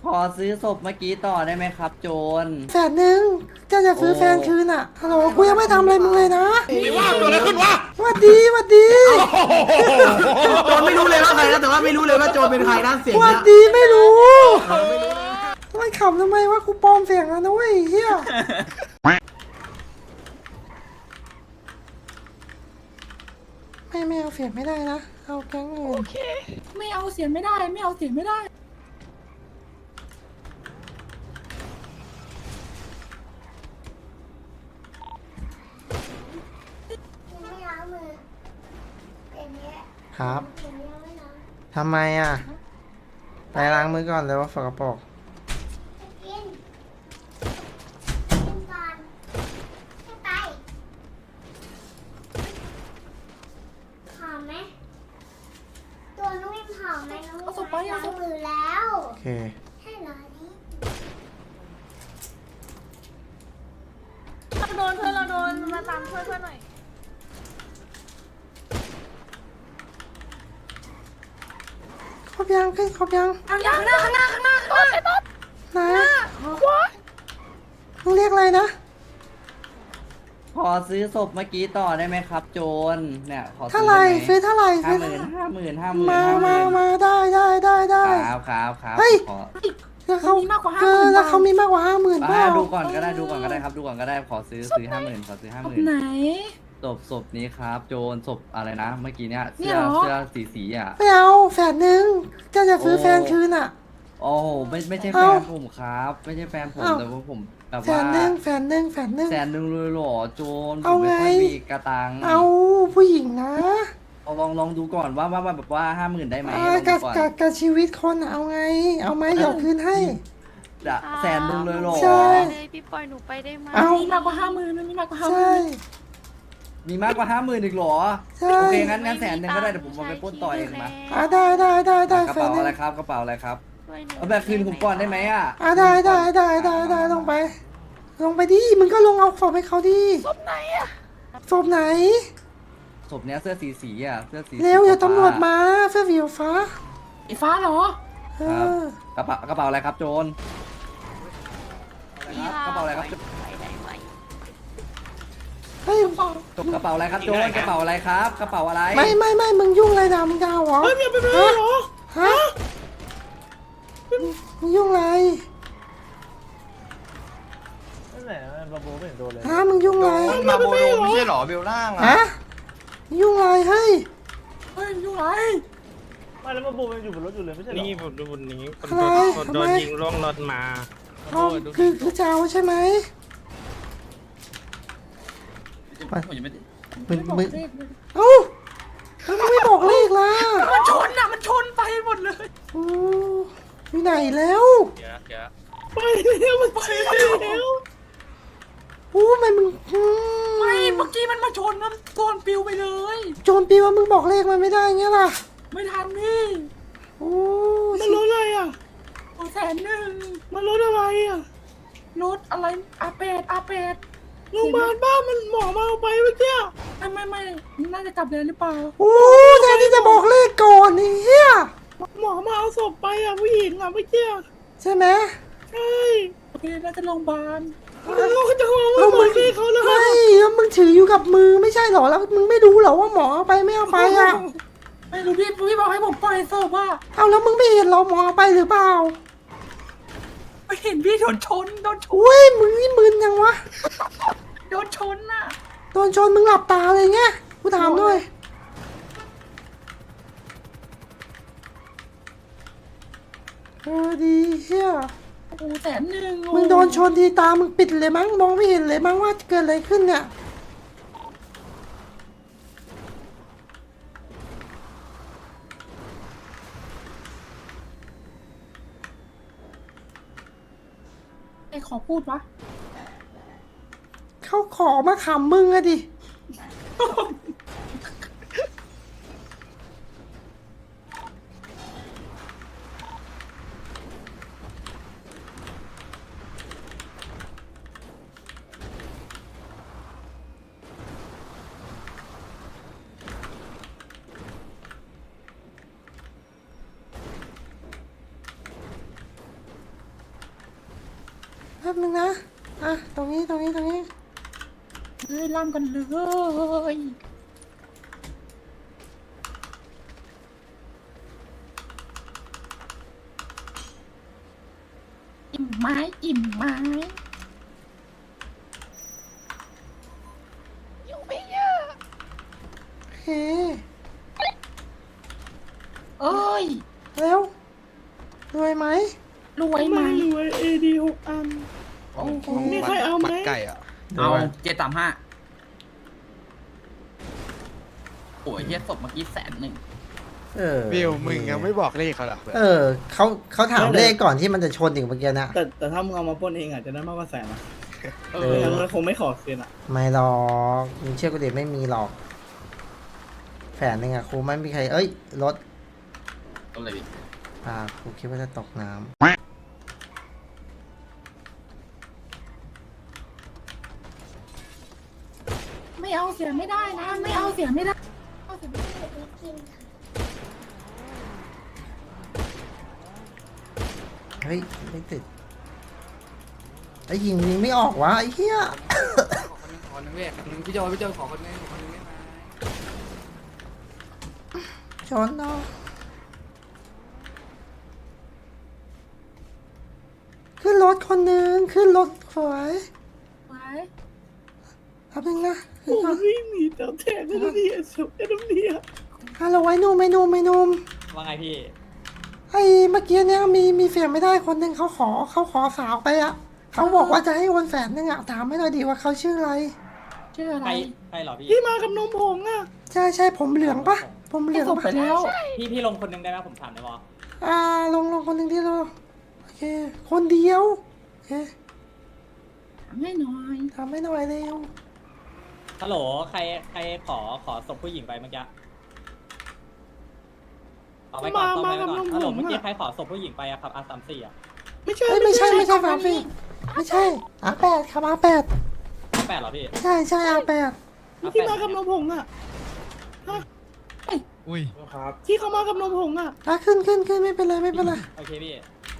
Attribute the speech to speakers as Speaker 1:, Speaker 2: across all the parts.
Speaker 1: ขอซื้อศพเมื่อกี้ต่อได้ไหมครับโจร
Speaker 2: 100,000จะซื้อแฟนคืนอ่ะฮัลโหลกูยังไม่ทำอะไรมึงเลยนะ
Speaker 3: ไม่ว่าเกิดอะไรขึ้นวะ
Speaker 2: วัดดีวัดดี
Speaker 4: โจรไม่รู้เลยว่าใครนะแต่ว่าไม่รู้เลยว่าโจรเป็นใครนะเสียง
Speaker 2: วั
Speaker 4: เนี้
Speaker 2: ด
Speaker 4: ย
Speaker 2: ดีไม่รู้มันขำทำไมว่ากูปลอมเสียงแล้วนะเว้ยเฮียไม่เอาเสียงไม่ได้นะเอาแก๊งอื่น
Speaker 5: ไม่เอาเสียงไม่ได้ไม่เอาเสียงไม่ได้
Speaker 2: ครับทำไมอ่ะไปล้างมือก่อนเลยว่าฝากระป๋อง
Speaker 6: ตัวนุ่มหอมไหมนุ่มล้างมือแล้ว
Speaker 2: โอเค
Speaker 6: ให้รอนี้
Speaker 5: โดนเพื่อนเราโดนมาตามเพื่อนหน่อย
Speaker 2: ครบยังขึ้นครบยัง
Speaker 5: ข้างหน้าข้างหน้าข้างหน้าข้างหน้าไอ้ต๊อบ
Speaker 2: นะมึงเรียกอะไรนะ
Speaker 1: ขอซื้อศพเมื่อกี้ต่อได้ไหมครับโจรเนี่ยขอซื้
Speaker 2: เท่าไหร่ซื้อเท่าไหร่
Speaker 1: ห้า
Speaker 2: ซื้อ
Speaker 1: หมื่น
Speaker 2: เท่าไหร่
Speaker 1: 50,000
Speaker 2: มา
Speaker 1: ครับ
Speaker 2: เฮ้ย
Speaker 1: ขอ
Speaker 2: แล้วเขา
Speaker 5: มีมากกว่า
Speaker 2: แล้วเขามีมากกว่า50,000ป่ะ
Speaker 1: ดูก่อนก็ได้ครับดูก่อนก็ได้ขอซื้อ50,000ขอซื้อ
Speaker 5: ไหน
Speaker 1: 50,000ศพนี้ครับโจรศพอะไรนะเมื่อกี้เนี่ย
Speaker 5: เนี่
Speaker 1: เสื้
Speaker 5: ย
Speaker 1: อ
Speaker 5: เหรอ
Speaker 1: สีอ่ะ
Speaker 2: ไม่เอา100,000จะซื้อแฟนคืนอ่ะ
Speaker 1: โอ้โหไม่ใช่แฟ
Speaker 2: เอ้า
Speaker 1: นผมครับไม่ใช่แฟนผม
Speaker 2: เอ้า
Speaker 1: แต่ว่าผมแบบ
Speaker 2: แส
Speaker 1: ว่าน
Speaker 2: หนึ่ง
Speaker 1: 100,000เลยเหรอโจรผ
Speaker 2: เอา
Speaker 1: มไม่
Speaker 2: ไง
Speaker 1: ค่อยมีกระตัง
Speaker 2: เอาผู้หญิงนะ
Speaker 1: ลองดูก่อนว่าแบบว่า50,000ได้ไหมลอง
Speaker 2: กั
Speaker 1: ดู
Speaker 2: บ
Speaker 1: ก่อน
Speaker 2: กับชีวิตคนอะเอาไง เอาไหมเดี๋ยวคืนให้
Speaker 1: จะ100,000เลยเหรอ
Speaker 2: ใช่
Speaker 7: เลยพี่ปล่อยหนูไปได้ไหม
Speaker 2: เอา
Speaker 5: มีมากกว่า50,000มันมีมากกว่า
Speaker 2: ใช่
Speaker 1: มีมากกว่า50,000อีกเหรอ
Speaker 2: ใช่
Speaker 1: โอเคงั้น100,000ก็ได้เดี๋ยวผมเอาไปปล้นต่อเองมา
Speaker 2: ได้
Speaker 1: กระ
Speaker 2: แฟ
Speaker 1: เป๋าน
Speaker 2: หนึ่
Speaker 1: อะไร
Speaker 2: ง
Speaker 1: ครับกระเป๋าอะไรครับ
Speaker 7: ช่วยหนู
Speaker 1: เอาแบบคืนผมก่อนได้ไหมอ่ะ
Speaker 2: ได้ลงไป ลงไปดิมึงก็ลงเอาศพให้เขาดิ
Speaker 5: ศพไหนอะ
Speaker 2: ศพไหน
Speaker 1: ศพเนี้ยเสื้อสีอ่ะเสื้อสี
Speaker 2: เร็วอย่าตำรวจมาเสื้อสีฟ้า
Speaker 5: ไอ้ฟ้าเหรอ
Speaker 2: เอ
Speaker 1: ครับ
Speaker 2: อก
Speaker 1: ระเป๋าอะไรครับโจรกระเป๋าอะไรครับ
Speaker 7: ไปได้ไหม
Speaker 2: เฮ้ย
Speaker 1: กระเป๋าอะไรครับโจรกระเป๋าอะไรครับกระเป๋าอะไร
Speaker 2: ไม่มึงยุ่งอะไรนะมึงจะเอาเหรอ
Speaker 3: เฮ้ยอย่าไปเลยเหรอ
Speaker 2: ฮะมึงยุ่งอะไร
Speaker 8: นั่นแหละบาโบไม่เห็นโดนเลย
Speaker 2: ฮะมึงยุ่งอะไร
Speaker 3: มาโบโดไม่ใช่เหรอเบลล่างอ่ะ
Speaker 2: ฮะมึงยุ่งอะไรเฮ้ย
Speaker 5: เฮ้ยอยู่ไหน
Speaker 8: ไม่แล้วบาโบมันอยู่บนรถอยู่เลยไม่ใช่เหรอ
Speaker 9: นี่ผมดูบนนี้คน
Speaker 2: อะไร
Speaker 9: โดน
Speaker 2: ทำไม
Speaker 9: ยิงล่วงรถมา
Speaker 2: อ๋อคือจะเอาใช่ไหมมึงเอ้าแล้วมึงไม่บอกเลขล่ะ
Speaker 5: มันชนอะมันชนไปหมดเลย
Speaker 2: โอ้อยู่ไหนแล้ว
Speaker 9: เดี๋ยว
Speaker 5: ไปแล้วมันไปแล้ว
Speaker 2: โอ้ทำไมมึง
Speaker 5: ไม่เมื่อกี้มันมาชนมันโดนปิวไปเลย
Speaker 2: โจรปีว่ามึงบอกเลขมันไม่ได้เงี้ยล่ะ
Speaker 5: ไม่ทันพี่
Speaker 2: โอ้
Speaker 3: มันรถอะไรอ่ะ
Speaker 5: โอ้100,000
Speaker 3: มันรถอะไรอ่ะ
Speaker 5: รถอะไรอาเป็ด
Speaker 3: โรงพยาบาลบ้านมันหมอมาเอาไปเมื่อกี้
Speaker 5: ไม่น่าจะกลับเดือนหรือเปล่า
Speaker 2: โอ้แทนที่จะบอกเลขก่อนนี่เฮีย
Speaker 3: หมอมาเอาศพไปอ่ะผู้หญิงอ่ะเมื่อกี้
Speaker 2: ใช่ไหม
Speaker 3: ใช่
Speaker 5: โอเคน่าจะโรงพยาบาล
Speaker 3: เราจะเอา
Speaker 2: แล้ว
Speaker 3: หม
Speaker 2: มึ
Speaker 3: อง ที่เขาเลย
Speaker 2: ไม่แล้วมึงถืออยู่กับมือไม่ใช่เหรอแล้วมึงไม่รู้เหรอว่าหมอเอาไปไม่เอาไปอ่ะ
Speaker 5: ไม่รู้พี่บอกให้ผมปล่อยศพว่า
Speaker 2: เอาแล้วมึงไม่เห็นเหรอหมอเอาไปหรือเปล่า
Speaker 5: ไม่เห็นพี่โดนชน
Speaker 2: อุ้ยมึงนี่มึนยังวะ
Speaker 5: โดนชนน่ะ
Speaker 2: โดนชนมึงหลับตาเลยไงกูถามด้วยดีเชี่ย
Speaker 5: โอ้100,000
Speaker 2: มึงโดนชนทีตามึงปิดเลยมั้งมองไม่เห็นเลยมั้งว่าเกิดอะไรขึ้นเนี่ย
Speaker 5: ไอ้ขอพูดวะ
Speaker 2: เขาขอมาขำมึงอะดิป๊บนึงนะอ่ะตรงนี้
Speaker 5: เฮ้ยล่ำกันเลย อิ่มไหม้อิ่มไหม้อยู่ไม่เยอะ
Speaker 2: โอเค
Speaker 5: เอ้ย
Speaker 2: เร็วรวยไหม
Speaker 5: รวยไหม
Speaker 3: ไม่รวยเอดี6 อัน
Speaker 5: โอ้โห
Speaker 3: มีใครเอาไหม
Speaker 9: ไก่อ่ะ
Speaker 1: เอา735โอ้ยเฮียศพเมื่อกี้100,000
Speaker 2: เออ
Speaker 9: วิวมึงยังไม่บอกเลขเขาหรอก
Speaker 2: เออเขาถามเลขก่อนที่มันจะชนถึงเมื่อกี้นะ
Speaker 3: แต่ถ้ามึงเอามาปล้นเองอาจจะได้มากกว่า100,000นะ
Speaker 2: เอ
Speaker 3: ไม่
Speaker 2: อ
Speaker 3: งั้นมันคงไม่ขอคืนอ่ะ
Speaker 2: ไม่หรอกมึงเชื่อกูดิไม่มีหรอก100,000อ่ะครูไม่มีใครเอ้ยรถ
Speaker 1: ก็เลย
Speaker 2: ครูคิดว่าจะตกน้ำ
Speaker 5: ไม่เอาเสียไม่ได้นะ ไม่เอาเสียไม่ได้เอาเสียไม่ได้
Speaker 6: กินค่ะ
Speaker 2: เฮ้ยไม่ติดไอ้ยิงไม่ออกวะไอ้เหี้ย
Speaker 4: ขอหนึ่งเว้ยพี่โจขอคนนึงได้ไหม
Speaker 2: ชนเนาะขึ้นรถคนหนึ่งขึ้นรถสวย
Speaker 5: ไว้
Speaker 2: แป๊บนึงนะ
Speaker 3: โอ้ยไม่มีแต่แทนนั่นนี่สุดนั่นนี่
Speaker 2: ฮัลโหลไอ้หนุ่ม
Speaker 8: ว่าไงพี่
Speaker 2: ไอ้เมื่อกี้เนี่ยมีเสียงไม่ได้คนหนึ่งเขาขอสาวไปอะเขาบอกว่าจะให้โอน100,000อะถามไม่หน่อยดีว่าเขาชื่ออะไร
Speaker 5: ชื่ออะไร
Speaker 8: ใครเหรอพี่
Speaker 3: พี่มากับนมผงอ่ะ
Speaker 2: ใช่ผมเหลืองปะผมเหลื
Speaker 5: ไม่
Speaker 2: อง
Speaker 5: ส่งไป
Speaker 2: ปะ
Speaker 5: แล้ว
Speaker 8: พี่ลงคนนึงได้ไหมผมถามได้ปะ
Speaker 2: ลงคนหนึ่งที่เราโอเค คนเดียวโอเค
Speaker 5: ถามให้หน่อย
Speaker 2: ทำให้หน่อยเร็ว
Speaker 8: ฮัลโหลใครขอศพผู้หญิงไปเมื่อกี้เอาไปก่อนต้องไปก่อนฮัลโหลเมื่อกี้ใครขอศพผู้หญิงไปอะครับR34อะ
Speaker 3: ไม่ใช่
Speaker 2: เอ้ยไม่ใช่ฝาฟีไม่ใช่R8ครับR8
Speaker 8: แปดเหรอพี่
Speaker 2: ใช่R8
Speaker 3: ที่มากับนมผงอ่ะ
Speaker 9: อุ้ย
Speaker 3: ที่เขามากับนมผงอ่ะ
Speaker 2: ขึ้นไม่เป็นไร
Speaker 8: โอเคพี่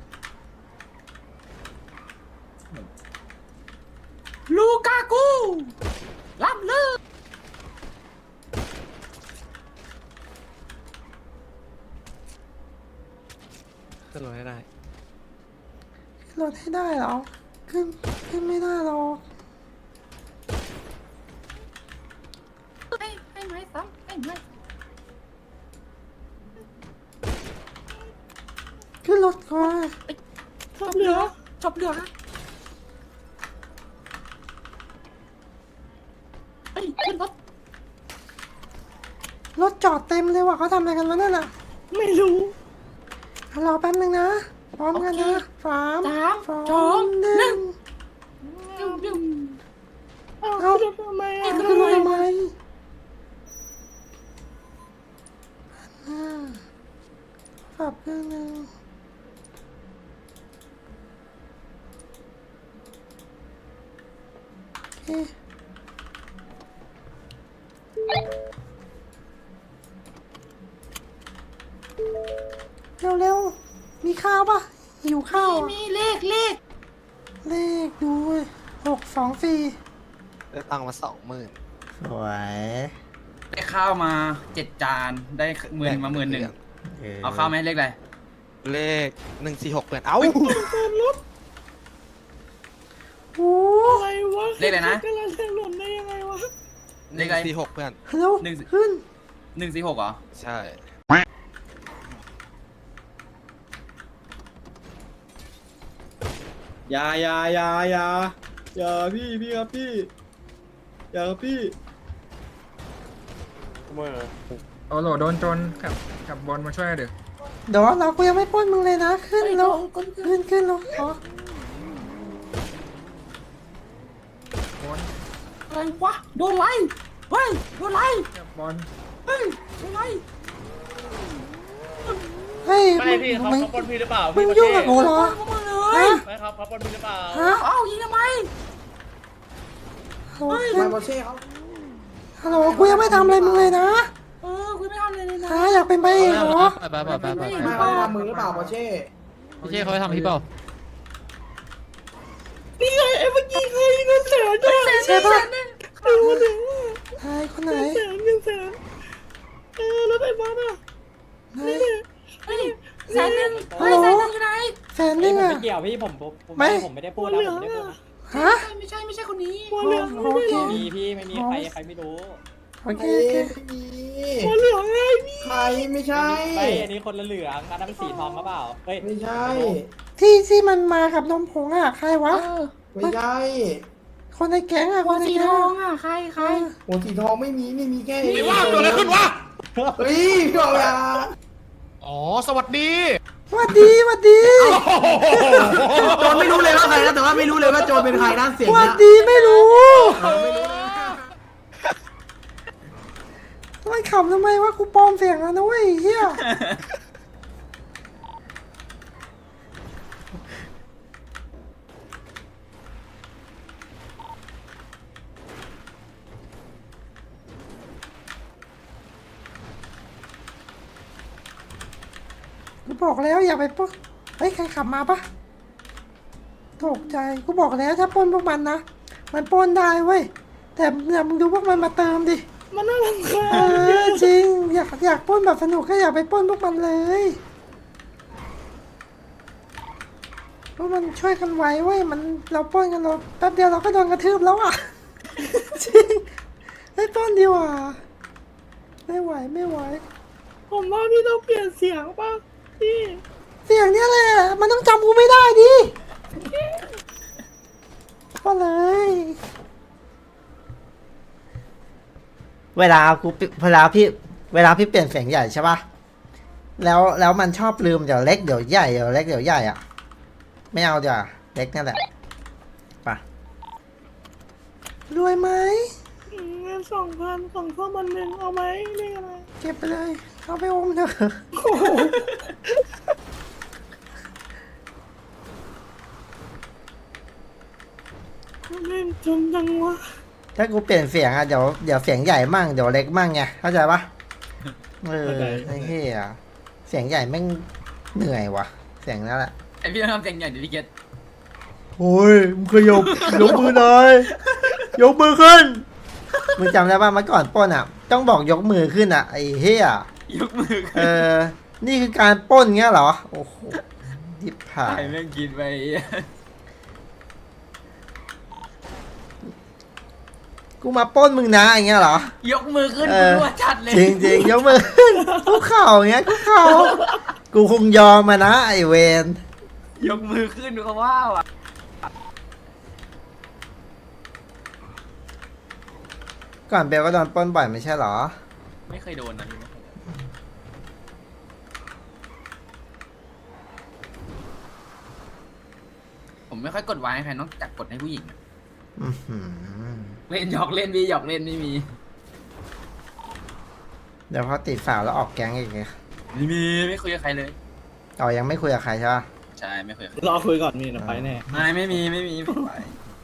Speaker 5: ลูกากูล่ำลือ
Speaker 9: ขึ้นรถให้ได้
Speaker 2: รถให้ได้เหรอขึ้นไม่ได้หรอก
Speaker 5: ให้ไหมซ้ำให้ไหม
Speaker 2: ขึ้นรถก่อน
Speaker 3: ชอบเหลือ
Speaker 5: จบเรือเฮ้ยขึ้นรถ
Speaker 2: รถจอดเต็มเลยว่ะเขาทำอะไรกันวะนั่นน่ะ
Speaker 3: ไม่รู้
Speaker 2: รอแป๊บนึงนะพร้อมกันนะสาม
Speaker 5: สองหนึ่ง
Speaker 2: 1
Speaker 5: ดึง
Speaker 3: เอาจะทำไมอ่ะ
Speaker 2: ขึ้นรถทำไมปรับเครื่องนึงโอเคเร็วมีข้าวปะหิวข้าวอะ
Speaker 5: มีเลข
Speaker 2: เลขดู624
Speaker 9: ได้ตังค์มา20,000
Speaker 2: สวย
Speaker 1: ได้ข้าวมา7 จานได้10,000มา11,000เอาข้าวไหมเลขอะไร
Speaker 9: เลข146เพื่อนเอ้า
Speaker 2: โอ้
Speaker 3: อะไรวะ
Speaker 1: เลขอะไรนะ
Speaker 3: กำลังจะหล่นได้ยังไงวะ
Speaker 1: เลขอะไร
Speaker 9: 146เพื่อน
Speaker 2: เร็ว
Speaker 1: หนึ่ง
Speaker 2: ขึ้น
Speaker 1: 146เหรอ
Speaker 9: ใช่
Speaker 3: อย่าพี่ครับพี่อย่าครับพี่
Speaker 10: โอ้โหโดนโจรกับบอลมาช่วยเดี๋ยว
Speaker 2: เดี๋ยวเรากูยังไม่ปล้นมึงเลยนะ ขึ้นแล้วขึ้นแล้วขอ
Speaker 5: อะไรวะโดนไล่เฮ้ยโดนไล่
Speaker 10: กับบอล
Speaker 5: เฮ้ยโดนไล่
Speaker 2: เฮ้ย
Speaker 8: ไม่พี่เขาปล้นพี่หรือเปล่า
Speaker 2: มึงยุ่งกับกูเหรอ
Speaker 5: พวกมึงเล
Speaker 2: ฮะ
Speaker 5: ย
Speaker 8: ไม่ครับเขาปล้นพี่หรือเปล่า
Speaker 2: ฮะ
Speaker 5: เอ้ายิงทำไม
Speaker 2: โอ้ยฮัลโหลกูยังไม่ทำอะไรมึงเลยนะ
Speaker 5: กูไม่ทำอะไรเลยนะ
Speaker 2: ฮะอยากเป็นไปเอกเหรอ
Speaker 4: ไป
Speaker 5: ไม่
Speaker 4: ไม่
Speaker 5: เอา
Speaker 4: ทำมือหรือเปล่าปอเช่
Speaker 10: พี่เจ้เขาทำพี่เปล่า
Speaker 2: ใช่ปะ
Speaker 3: เอาวันหนึ่ง
Speaker 2: ใครคนไหน
Speaker 3: 100,000แล้วไอ้บอสอ่ะ
Speaker 2: ไหน
Speaker 5: เฮ้ยแสนหนึ่งเฮ้ยแสนหนึ่งอยู่ไหน
Speaker 2: แสนหนึ่ง
Speaker 8: ผม
Speaker 2: อ่ะ
Speaker 8: ไม่เกี่ยวพี่ผม
Speaker 2: ไม่
Speaker 8: ผมไม่ได้พูดนะผมไม่ได้พูดนะ
Speaker 2: ฮะ
Speaker 5: ไม่ใช่คนนี้
Speaker 3: หัวเหลือง
Speaker 2: โอเค
Speaker 8: มีพี่ไม่มีใครไม่รู้
Speaker 2: โอเคโอเค
Speaker 3: หัวเหลืองไงพี่
Speaker 4: ใครไม่ใช่
Speaker 8: ไม่อันนี้คนละเหลืองอันนั้นมันสีทองหรือเปล่าเฮ้ย
Speaker 4: ไม่ใช่
Speaker 2: ที่มันมากับนมผงอ่ะใครวะ
Speaker 4: ไม่ใช่
Speaker 2: คนในแก๊งอ่ะ
Speaker 5: หัวสีทองอ่ะใคร
Speaker 4: หัวสีทองไม่มีแค่
Speaker 9: ไม่ว่าเกิดอะไรขึ้นวะ
Speaker 4: เฮ้ยพี่บอกอย่า
Speaker 9: อ๋อ สวัสดี
Speaker 2: หวัดดีหวัดดี
Speaker 4: โจนไม่รู้เลยว่าใครนะแต่ว่าไม่รู้เลยว่าโจนเป็นใครนะเสียง
Speaker 2: หวัด
Speaker 4: นะ
Speaker 2: ดีไม่รู้
Speaker 4: ไม่รู้
Speaker 2: มันขำทำไมวะกูปลอมเสียงแล้วนะเว้ยเฮียกูบอกแล้วอย่าไปปล้นเฮ้ยใครขับมาปะตกใจกูบอกแล้วถ้าปล้นพวกมันนะมันปล้นได้เว้ยแต่เนี่ยมึงดูพวกมันมาเติมดิ
Speaker 3: มันน่ารำคาญ
Speaker 2: จริงอยากปล้นแบบสนุกก็อยากไปปล้นพวกมันเลยพวกมันช่วยกันไว้เว้ยมันเราปล้นกันเราแป๊บเดียวเราก็โดนกระทืบแล้วอ่ะ จริงไม่ปล้นดีกว่าไม่ไหวไม่ไหว
Speaker 3: ผมว่าพี่ต้องเปลี่ยนเสียงป่ะพี่
Speaker 2: เสียงเนี้ยแหละมันต้องจำกูไม่ได้ดิก็เลย เวลาพี่เปลี่ยนเสียงใหญ่ใช่ปะแล้วมันชอบลืมเดี๋ยวเล็กเดี๋ยวใหญ่เดี๋ยวเล็กเดี๋ยวใหญ่อ่ะไม่เอาเดี๋ยวาเล็กนั่นแหละไปรวยไหม
Speaker 3: เงิน2,000ของข้าวมันหนึ่งเอาไหมเรียกอะไร
Speaker 2: เก็บไปเลยเอาไปอมเถอะ
Speaker 3: เล่นจนจังวะ
Speaker 2: ถ้ากูเปลี่ยนเสียงอ่ะเดี๋ยวเสียงใหญ่มั่งเดี๋ยวเล็กมั่งไงเข้าใจปะไอ้เหี้ยเสียงใหญ่แม่งเหนื่อยว่ะเสียงนั่นแหละ
Speaker 1: ไอพี่ต้องทำเสียงใหญ่ดิพี่เกต
Speaker 2: โอ้ยมึงเคยยกมือหน่อยยกมือขึ้นมึงจำได้ป่ะเมื่อก่อนปล้นอ่ะต้องบอกยกมือขึ้นอ่ะไอ้เหี้ย
Speaker 1: ยกมือขึ้น
Speaker 2: นี่คือการปล้นเงี้ยเหรอโอ้โหยิบผ่า
Speaker 1: ไอ้
Speaker 2: ย
Speaker 1: แม่งกินไป
Speaker 2: กูมาปล้นมึงนะอย่างเงี้ยเหรอย
Speaker 1: กมือขึ้น
Speaker 2: เอ
Speaker 1: กู
Speaker 2: อ
Speaker 1: รัวจัดเลย
Speaker 2: จริงยกมือขึ้นคุกเข่าอย่างเงี้ยคุกเข่ากูคงยอมมานะไอเวน
Speaker 1: ยกมือขึ้นดูเขาว่าว่ะ
Speaker 2: ก่อนเบลก็โดนปล้นบ่อยไม่ใช่เหรอ
Speaker 1: ไม่เคยโดนนะพี่ไม่เคยโดนผมไม่ค่อยกดไว้ให้ใครนอกจากกดให้ผู้หญิงอะ
Speaker 2: อื้อหือ
Speaker 1: เล่นหยอกเล่นพี่หยอกเล่นไม่มี
Speaker 2: เดี๋ยวพอติดฝาวแล้วออกแก๊งอีกไง
Speaker 1: ไม่มีไม่คุยกับใครเลย
Speaker 2: เรายังไม่คุยกับใครใช่ปะ
Speaker 1: ใช่ไม่คุยกับใคร
Speaker 3: รอคุยก่อนมีนะไปแน่
Speaker 1: ไม่มีไม่ไป